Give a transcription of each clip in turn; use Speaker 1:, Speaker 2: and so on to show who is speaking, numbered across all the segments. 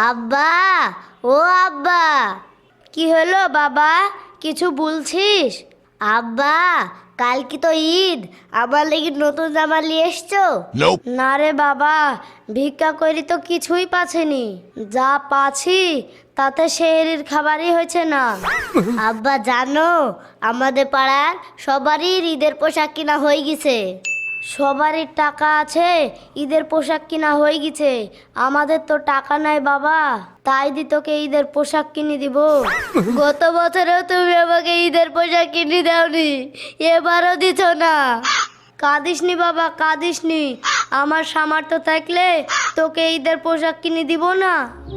Speaker 1: আব্বা, ও আব্বা। কি হলো বাবা, কিছু বলছিস? আব্বা, কাল কি তো ঈদ, আমার লেগে নতুন জামা নিয়ে এসছো? না রে বাবা, ভিক্ষা করি তো কিছুই পাচ্ছিনি, যা পাচ্ছি তাতে শহরের খাবারই হয়েছে না। আব্বা জানো, আমাদের পাড়ার সবারই ঈদের পোশাক কিনা হয়ে গেছে। সবারই টাকা আছে, ঈদের পোশাক কিনা হয়ে গেছে। আমাদের তো টাকা নাই বাবা, তাই দি তোকে ঈদের পোশাক কিনে দিব। গত বছরেও তুমি আমাকে ঈদের পোশাক কিনে দাওনি, এবারও দিছ না। কাঁদিসনি বাবা, কাঁদিসনি। আমার সামর্থ্য থাকলে তোকে ঈদের পোশাক কিনে দিব না।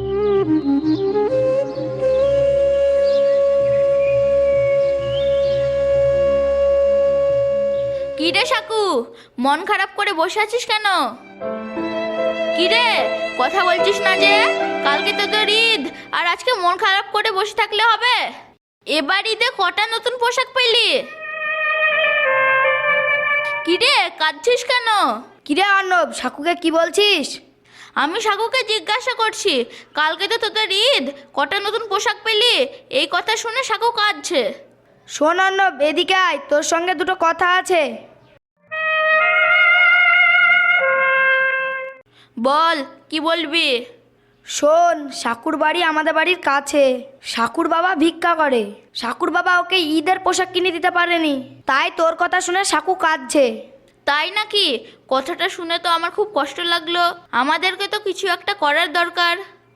Speaker 2: কি রে সাকু, মন খারাপ করে বসে আছিস কেন? কি রে, কথা বলছিস না যে? কালকে তো তোর ঈদ, আর আজকে মন খারাপ করে বসে থাকলে হবে? এবার ঈদে কটা নতুন পোশাক পেলি? কি রে, কাঁদছিস কেন?
Speaker 1: কি রে অর্ণব, সাকুকে কি বলছিস?
Speaker 2: আমি সাকুকে জিজ্ঞাসা করছি, কালকে তো তোদের ঈদ, কটা নতুন পোশাক পেলি? এই কথা শুনে সাকু কাঁদছে।
Speaker 1: শোন অর্ণব, এদিকে আয়, তোর সঙ্গে দুটো কথা আছে।
Speaker 2: বল, কি বলবি?
Speaker 1: শোন, সাকুর বাড়ি আমাদের বাড়ির কাছে। সাকুর বাবা ভিক্ষা করে। সাকুর বাবা ওকে ঈদের পোশাক কিনে দিতে পারেনি, তাই তোর কথা শুনে সাকু কাঁদছে।
Speaker 2: তাই নাকি? কথাটা শুনে তো আমার খুব কষ্ট লাগলো। আমাদেরকে তো কিছু একটা করার দরকার।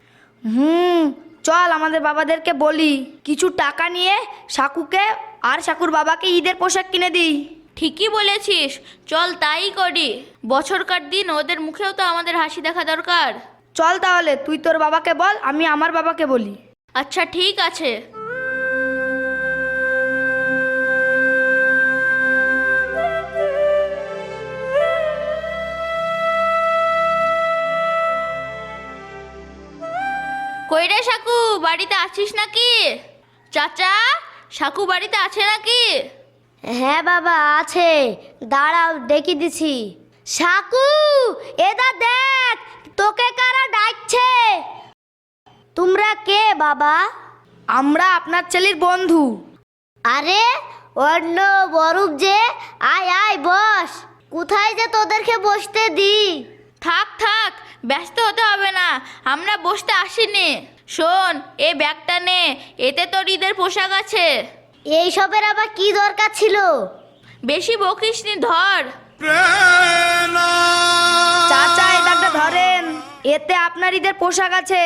Speaker 1: চল আমাদের বাবাদেরকে বলি, কিছু টাকা নিয়ে সাকুকে আর সাকুর বাবাকে ঈদের পোশাক কিনে দিই।
Speaker 2: ঠিকই বলেছিস, চল তাই করি। বছরকার দিন ওদের মুখেও তো আমাদের হাসি দেখা দরকার।
Speaker 1: চল তাহলে, তুই তোর বাবাকে বল, আমি আমার বাবাকে বলি।
Speaker 2: আচ্ছা ঠিক আছে। কই রে সাকু, বাড়িতে আছিস নাকি? চাচা, সাকু বাড়িতে আছে নাকি?
Speaker 1: হ্যাঁ বাবা আছে, দাঁড়াও ডেকে দিছি। সাকু, এদা দেখ, তোকে কারা ডাকছে। তোমরা কে বাবা? আমরা আপনার ছেলের বন্ধু। আরে অন্য বরুপ যে, আয় আয় বস। কোথায় যে তোদেরকে বসতে দি?
Speaker 2: থাক থাক, ব্যস্ত হতে হবে না, আমরা বসতে আসিনি। শোন, এই ব্যাগটা নে, এতে তোর ঈদের পোশাক আছে।
Speaker 1: এইসবের আবার কি দরকার ছিল?
Speaker 2: বেশি বকিস নি, ধর।
Speaker 1: চাচা এই ব্যাগটা ধরেন, এতে আপনার ঈদের পোশাক আছে।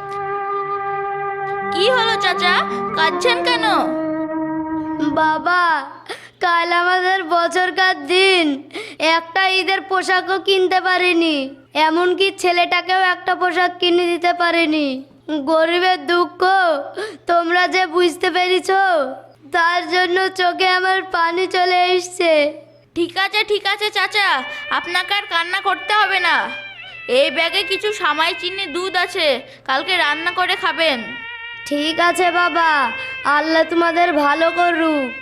Speaker 2: কি হলো চাচা, কাঁদছেন কেন?
Speaker 1: বাবা, কাল আমাদের বছরকার দিন, একটা ঈদের পোশাকও কিনতে পারিনি, এমনকি ছেলেটাকেও একটা পোশাক কিনে দিতে পারিনি। গরিবের দুঃখ তোমরা যে বুঝতে পেরেছো, তার জন্য চোখে আমার পানি চলে এসছে।
Speaker 2: ঠিক আছে চাচা, আপনাকে আর কান্না করতে হবে না। এই ব্যাগে কিছু সামাই চিনি দুধ আছে, কালকে রান্না করে খাবেন।
Speaker 1: ঠিক আছে বাবা, আল্লাহ তোমাদের ভালো করুক।